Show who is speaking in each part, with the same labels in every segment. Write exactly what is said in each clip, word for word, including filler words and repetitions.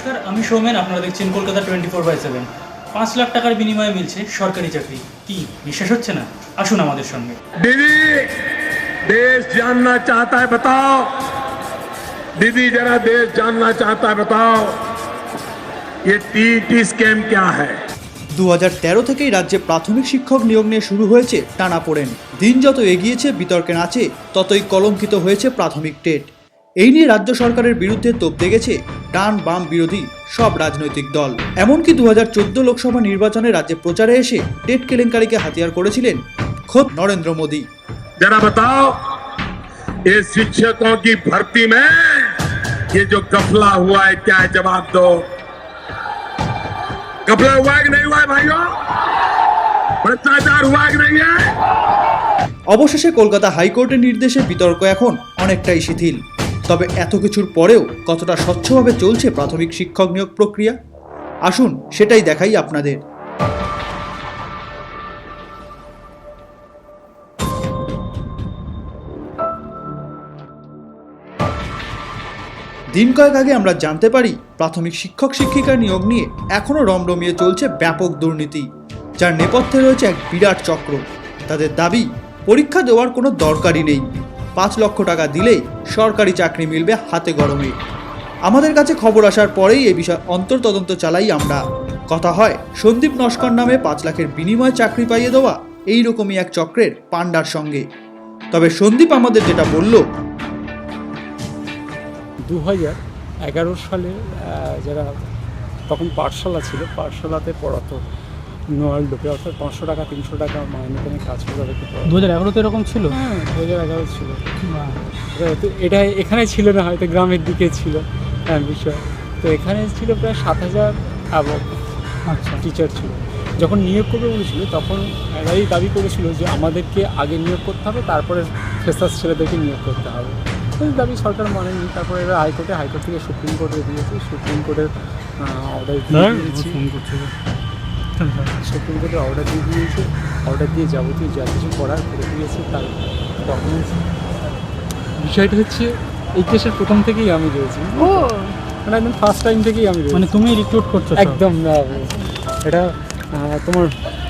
Speaker 1: নমস্কার, আমি সৌমেন। আপনারা দেখছেন Kolkata twenty four by seven. পাঁচ লাখ টাকার বিনিময়ে মিলছে সরকারি চাকরি। কি বিশ্বাস হচ্ছে না? আসুন আমাদের সঙ্গে।
Speaker 2: दीदी देश जानना चाहता है, बताओ दीदी, जरा देश जानना चाहता है, बताओ ये टीटी स्कैम क्या है।
Speaker 3: দু হাজার তেরো থেকেই রাজ্যে প্রাথমিক শিক্ষক নিয়োগ নিয়ে শুরু হয়েছে টানাপোড়েন। দিন যত এগিয়েছে বিতর্কের আঁচে ততই কলঙ্কিত হয়েছে প্রাথমিক টেট। এই নিয়ে রাজ্য সরকারের বিরুদ্ধে তোপ দেখেছে ডান বাম বিরোধী সব রাজনৈতিক দল। এমনকি দু হাজার চোদ্দ লোকসভা নির্বাচনে রাজ্যে প্রচারে এসে টেট কেলেঙ্কারিকে হাতিয়ার করেছিলেন খোদ নরেন্দ্র মোদী।
Speaker 2: जरा बताओ ये शिक्षकों की भर्ती में ये जो गफला हुआ है क्या है, जवाब दो। गफला हुआ है कि नहीं हुआ है भाइयों? भ्रष्टाचार हुआ है कि नहीं है?
Speaker 3: অবশেষে কলকাতা হাইকোর্টের নির্দেশে বিতর্ক এখন অনেকটাই শিথিল। তবে এত কিছুর পরেও কতটা স্বচ্ছভাবে চলছে প্রাথমিক শিক্ষক নিয়োগ প্রক্রিয়া, আসুন সেটাই দেখাই আপনাদের। দিন কয়েক আগে আমরা জানতে পারি প্রাথমিক শিক্ষক শিক্ষিকা নিয়োগ নিয়ে এখনও রমরমিয়ে চলছে ব্যাপক দুর্নীতি, যার নেপথ্যে রয়েছে এক বিরাট চক্র। তাদের দাবি পরীক্ষা দেওয়ার কোনো দরকারই নেই, পাঁচ লক্ষ টাকা দিলেই সরকারি চাকরি মিলবে হাতে গরমে। আমাদের কাছে খবর আসার পরেই এই বিষয়ে অন্তর্তদন্ত চালাই আমরা। কথা হয় সন্দীপ নস্কর নামে পাঁচ লাখের বিনিময়ে চাকরি পাইয়ে দেওয়া এইরকমই এক চক্রের পাণ্ডার সঙ্গে। তবে সন্দীপ আমাদের যেটা বলল,
Speaker 4: দু হাজার এগারো সালে যারা তখন পাঠশালা ছিল, পাঠশালাতে পড়াতো নোয়ালডোকে, অর্থাৎ পাঁচশো টাকা তিনশো টাকা মাইনে করে কাজ করে তাদেরকে
Speaker 1: দু হাজার এগারোতে এরকম ছিল?
Speaker 4: হ্যাঁ, দু হাজার এগারো ছিল। তো এটা এখানে ছিল না, হয়তো গ্রামের দিকে ছিল হ্যাঁ বিষয়। তো এখানে ছিল প্রায় সাত হাজার এবং আচ্ছা টিচার ছিল। যখন নিয়োগ করবে বলেছিল তখন এরাই দাবি করেছিল যে আমাদেরকে আগে নিয়োগ করতে হবে, তারপরে ফ্রেশার্স ছেলেদেরকে নিয়োগ করতে হবে। এই দাবি সরকার মানেনি। তারপরে এরা হাইকোর্টে, হাইকোর্ট থেকে সুপ্রিম কোর্টে দিয়েছে। সুপ্রিম কোর্টের অর্ডার দিয়ে দিয়েছি সুপ্রিম কোর্টের অর্ডার দিয়ে দিয়েছে অর্ডার দিয়ে যাবতীয় যা কিছু করার করে দিয়েছে। তার ডকুমেন্টস বিষয়টা হচ্ছে এই কেসের প্রথম থেকেই আমি রয়েছি, মানে একদম ফার্স্ট টাইম থেকেই আমি রয়েছি।
Speaker 1: মানে তুমি রিক্রুট করছো?
Speaker 4: একদম না, এটা তোমার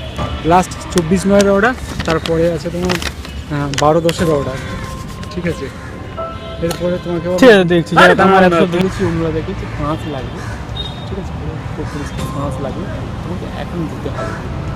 Speaker 4: লাস্ট চব্বিশ নয়ের অর্ডার, তারপরে আছে তোমার বারো দশের অর্ডার, ঠিক আছে। এরপরে তোমাকে
Speaker 1: দেখছি
Speaker 4: দেখেছি ওগুলো দেখেছি পাঁচ লাগবে, ঠিক আছে, পাঁচ লাগবে তোমাকে এখন দিতে হবে,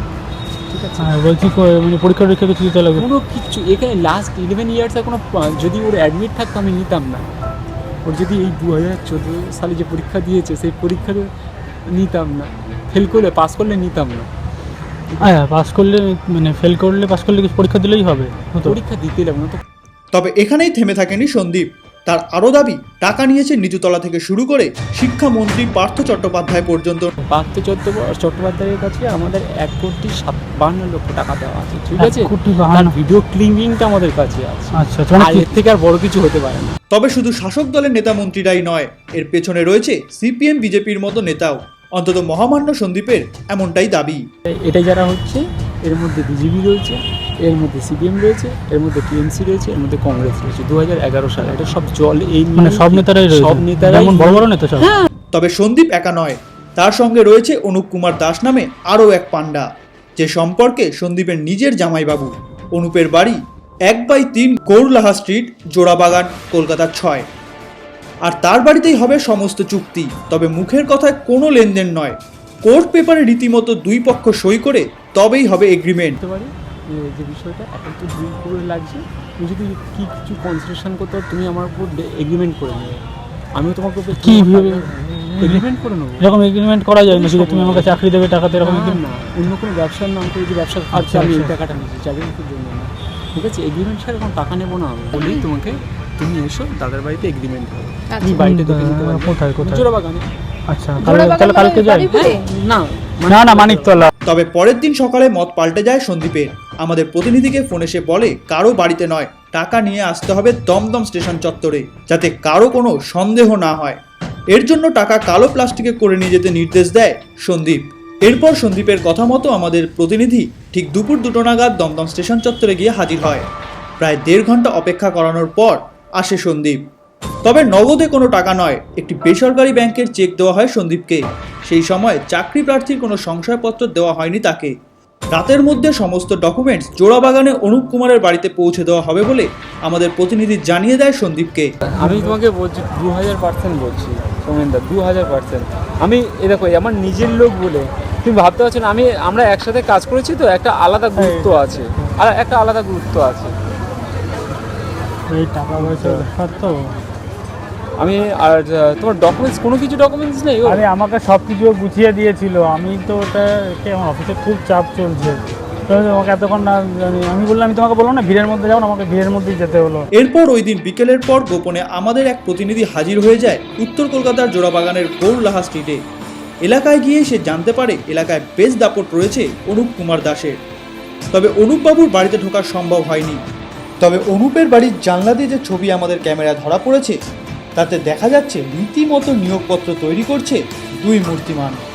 Speaker 4: ঠিক আছে।
Speaker 1: বলছি মানে পরীক্ষা টরীক্ষা কিছু দিতে লাগবে?
Speaker 4: কোনো কিছু এখানে লাস্ট ইলেভেন ইয়ার্সে কোনো, যদি ওর অ্যাডমিট থাকতো আমি নিতাম না। ওর যদি এই দু হাজার চোদ্দো সালে যে পরীক্ষা দিয়েছে সেই পরীক্ষাতে নিতাম না, ফেল করলে পাস করলে নিতাম না।
Speaker 1: হ্যাঁ, পাস করলে মানে ফেল করলে পাস করলে পরীক্ষা দিলেই হবে,
Speaker 4: পরীক্ষা দিতে লাগবে না তো।
Speaker 3: তবে এখানেই থেমে থাকেনি সন্দীপ। তার আরও দাবি টাকা নিয়েছে নিচুতলা থেকে শুরু করে শিক্ষামন্ত্রী পার্থ চট্টোপাধ্যায় পর্যন্ত।
Speaker 4: পার্থ চট্টোপাধ্যায়ের কাছে আমাদের এক কোটি বান্ন লক্ষ টাকা দেওয়া আছে, ঠিক আছে। তার ভিডিও ক্লিপিংটা আমাদের কাছে আছে।
Speaker 1: আচ্ছা,
Speaker 4: এর থেকে আর বড় কিছু হতে পারে না।
Speaker 3: তবে শুধু শাসক দলের নেতা মন্ত্রীরাই নয়, এর পেছনে রয়েছে সিপিএম বিজেপির মতো নেতাও। অন্তত মহামান্য সন্দীপের এমনটাই দাবি।
Speaker 4: এটা যারা হচ্ছে, এর মধ্যে বিজেপি রয়েছে, এর মধ্যে সিপিএম রয়েছে, এর মধ্যে টিএমসি রয়েছে, এর মধ্যে কংগ্রেস রয়েছে। দু হাজার এগারো সালে এটা সব জল, এই
Speaker 1: মানে সব নেতারাই রয়েছে,
Speaker 4: সব নেতারাই
Speaker 1: বড় বড় নেতা সব।
Speaker 3: তবে সন্দীপ একা নয়, তার সঙ্গে রয়েছে অনুপ কুমার দাস নামে আরও এক পাণ্ডা, যে সম্পর্কে সন্দীপের নিজের জামাইবাবু। অনুপের বাড়ি এক বাই তিন গৌরলাহা স্ট্রিট, জোড়াবাগান, কলকাতার ছয়। আর তার বাড়িতেই হবে সমস্ত চুক্তি। তবে মুখের কথায় কোনো লেনদেন নয়, কোর্ট পেপারে রীতিমতো দুই পক্ষ সই করে তবেই হবে এগ্রিমেন্ট।
Speaker 4: পারি যে বিষয়টা এখন তো দুই করে লাগছে, তুমি যদি কি কিছু কনসেশন করতে পারো তুমি আমার উপর এগ্রিমেন্ট করে নেবে, আমিও তোমার উপর
Speaker 1: কি
Speaker 4: এগ্রিমেন্ট করে নেবো।
Speaker 1: এরকম এগ্রিমেন্ট করা যায় না যে তুমি আমাকে চাকরি দেবে টাকাতে, এরকম
Speaker 4: না। অন্য কোনো ব্যবসার নাম করে যে ব্যবসা খাচ্ছে আমি এই টাকাটা নিচ্ছি চাকরির জন্য না, ঠিক আছে। এগ্রিমেন্ট ছাড়া কোনো টাকা নেবো না আমি, বলেই তোমাকে তুমি এসো দাদার বাড়িতে এগ্রিমেন্ট হবে, তুমি বাড়িতে দেখে নিতে পারবে।
Speaker 1: কোথায় কোথায়?
Speaker 4: জোড়াবাগানে।
Speaker 1: আচ্ছা, তাহলে কালকে যাই?
Speaker 4: না
Speaker 1: না না, মানিকতলা।
Speaker 3: তবে পরের দিন সকালে মত পাল্টে যায় সন্দীপের। আমাদের প্রতিনিধিকে ফোন এসে বলে কারো বাড়িতে নয়, টাকা নিয়ে আসতে হবে দমদম স্টেশন চত্বরে, যাতে কারো কোনো সন্দেহ না হয়। এর জন্য টাকা কালো প্লাস্টিকে করে নিয়ে যেতে নির্দেশ দেয় সন্দীপ। এরপর সন্দীপের কথা মতো আমাদের প্রতিনিধি ঠিক দুপুর দুটো নাগাদ দমদম স্টেশন চত্বরে গিয়ে হাজির হয়। প্রায় দেড় ঘন্টা অপেক্ষা করানোর পর আসে সন্দীপ। তবে নগদে কোনো টাকা নয়, একটি বেসরকারি ব্যাংকের চেক দেওয়া হয় সন্দীপকে। সেই সময় চাকরি প্রার্থীর কোনো সংশয়পত্র দেওয়া হয়নি তাকে। রাতের মধ্যে সমস্ত ডকুমেন্টস জোড়াবাগানে অনুপ কুমারের বাড়িতে পৌঁছে দেওয়া হবে বলে আমাদের প্রতিনিধি জানিয়ে দেয় সন্দীপকে।
Speaker 4: আমি তোমাকে বলছি দু হাজার পার্সেন্ট বলছি সৌমেনদা, দু হাজার পার্সেন্ট। আমি এ দেখো আমার নিজের লোক বলে তুমি ভাবতে পারছো না, আমি আমরা একসাথে কাজ করেছি তো একটা আলাদা গুরুত্ব আছে, আর একটা আলাদা গুরুত্ব আছে।
Speaker 5: এই টাকা পয়সা ব্যাপার তো।
Speaker 4: আমি আর তোমার ডকুমেন্টস কোনো কিছু ডকুমেন্টস নেই ওর?
Speaker 5: আরে আমাকে সব কিছু গুছিয়ে দিয়েছিল, আমি তো ওটা একে আমার অফিসে খুব চাপ চলছে, তো আমাকে এতক্ষণ না জানি আমি বললাম, আমি তোমাকে বললাম না ভিড়ের মধ্যে যাও না, আমাকে ভিড়ের মধ্যেই যেতে হলো।
Speaker 3: এরপর ওই দিন বিকেলের পর গোপনে আমাদের এক প্রতিনিধি হাজির হয়ে যায় উত্তর কলকাতার জোড়াবাগানের গৌরলাহা স্ট্রিটে। এলাকায় গিয়ে সে জানতে পারে এলাকায় বেশ দাপট রয়েছে অনুপ কুমার দাসের। তবে অনুপবাবুর বাড়িতে ঢোকা সম্ভব হয়নি। তবে অনুপের বাড়ির জানলা দিয়ে যে ছবি আমাদের ক্যামেরায় ধরা পড়েছে তাতে দেখা যাচ্ছে রীতিমতো নিয়োগপত্র তৈরি করছে দুই মূর্তিমান।